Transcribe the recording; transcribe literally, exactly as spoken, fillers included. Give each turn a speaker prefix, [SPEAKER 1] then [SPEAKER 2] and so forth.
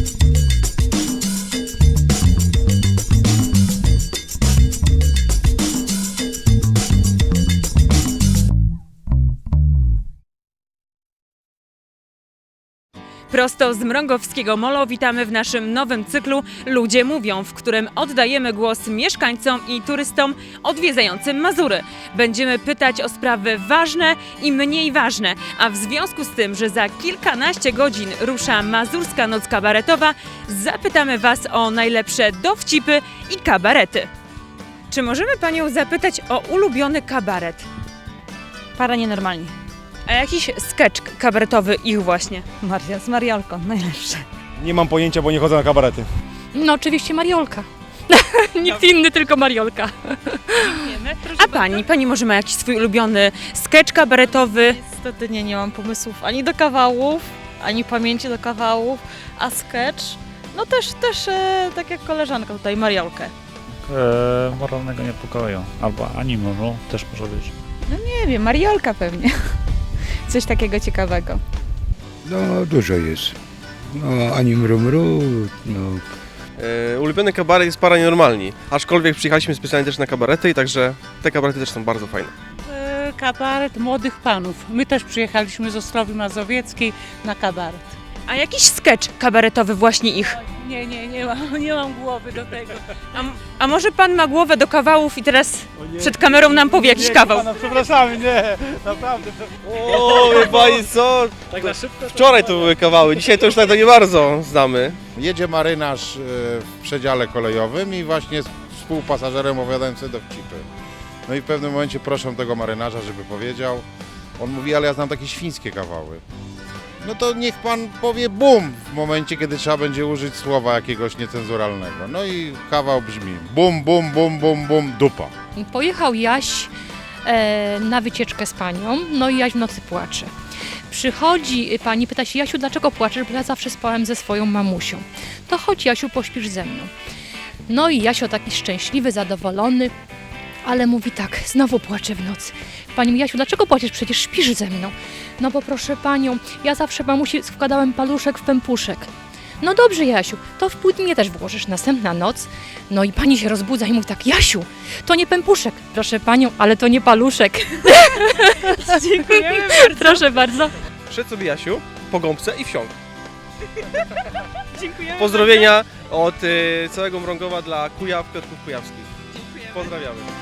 [SPEAKER 1] Prosto z Mrągowskiego Molo witamy w naszym nowym cyklu Ludzie Mówią, w którym oddajemy głos mieszkańcom i turystom odwiedzającym Mazury. Będziemy pytać o sprawy ważne i mniej ważne, a w związku z tym, że za kilkanaście godzin rusza Mazurska Noc Kabaretowa, zapytamy Was o najlepsze dowcipy i kabarety. Czy możemy Panią zapytać o ulubiony kabaret?
[SPEAKER 2] Para nienormalni.
[SPEAKER 1] A jakiś sketch kabaretowy ich właśnie?
[SPEAKER 2] Maria z Mariolką, najlepsze.
[SPEAKER 3] Nie mam pojęcia, bo nie chodzę na kabarety.
[SPEAKER 2] No oczywiście Mariolka. Nikt inny, tylko Mariolka.
[SPEAKER 1] A Pani? Pani może ma jakiś swój ulubiony sketch kabaretowy?
[SPEAKER 2] Niestety nie, nie mam pomysłów ani do kawałów, ani pamięci do kawałów, a sketch, no też, też e, tak jak koleżanka tutaj, Mariolkę.
[SPEAKER 4] E, moralnego niepokoju, albo anime, no, też może być.
[SPEAKER 5] No nie wiem, Mariolka pewnie. Coś takiego ciekawego.
[SPEAKER 6] No dużo jest. No ani mru mru, no.
[SPEAKER 7] Yy, ulubiony kabaret jest Para Nienormalni, aczkolwiek przyjechaliśmy specjalnie też na kabarety i także te kabarety też są bardzo fajne.
[SPEAKER 8] E, Kabaret młodych panów. My też przyjechaliśmy z Ostrowi Mazowieckiej na kabaret.
[SPEAKER 1] A jakiś sketch kabaretowy właśnie ich?
[SPEAKER 8] Nie, nie, nie mam, nie mam głowy do tego.
[SPEAKER 1] A, a może Pan ma głowę do kawałów i teraz przed kamerą nam powie jakiś kawał?
[SPEAKER 3] Pana, przepraszamy, nie, naprawdę.
[SPEAKER 7] O, wie pani co?
[SPEAKER 4] Tak na szybko?
[SPEAKER 7] Wczoraj to były kawały, dzisiaj to już tak to nie bardzo znamy.
[SPEAKER 9] Jedzie marynarz w przedziale kolejowym i właśnie z współpasażerem opowiadają sobie dowcipy. No i w pewnym momencie proszę tego marynarza, żeby powiedział. On mówi, ale ja znam takie świńskie kawały. No to niech pan powie bum w momencie, kiedy trzeba będzie użyć słowa jakiegoś niecenzuralnego. No i kawał brzmi bum, bum, bum, bum, bum, dupa.
[SPEAKER 10] Pojechał Jaś e, na wycieczkę z panią, no i Jaś w nocy płacze. Przychodzi pani, pyta się: Jasiu, dlaczego płaczesz? Bo ja zawsze spałem ze swoją mamusią. To chodź, Jasiu, pośpisz ze mną. No i Jasio taki szczęśliwy, zadowolony, ale mówi tak: znowu płaczę w nocy. Pani mówi: Jasiu, dlaczego płaczesz? Przecież śpisz ze mną. No bo proszę panią, ja zawsze mamusi wkładałem paluszek w pępuszek. No dobrze, Jasiu, to w pół mnie też włożysz. Następna noc, no i pani się rozbudza i mówi tak: Jasiu, to nie pępuszek. Proszę panią, ale to nie paluszek.
[SPEAKER 1] Dziękujemy bardzo.
[SPEAKER 10] Proszę bardzo.
[SPEAKER 7] Szedł sobie Jasiu po gąbce i wsiąkł.
[SPEAKER 1] Dziękujemy
[SPEAKER 7] Pozdrowienia od y, całego Mrągowa dla Kujaw, Piotrków Kujawskich.
[SPEAKER 1] bardzo. Dziękujemy.
[SPEAKER 7] Pozdrawiamy.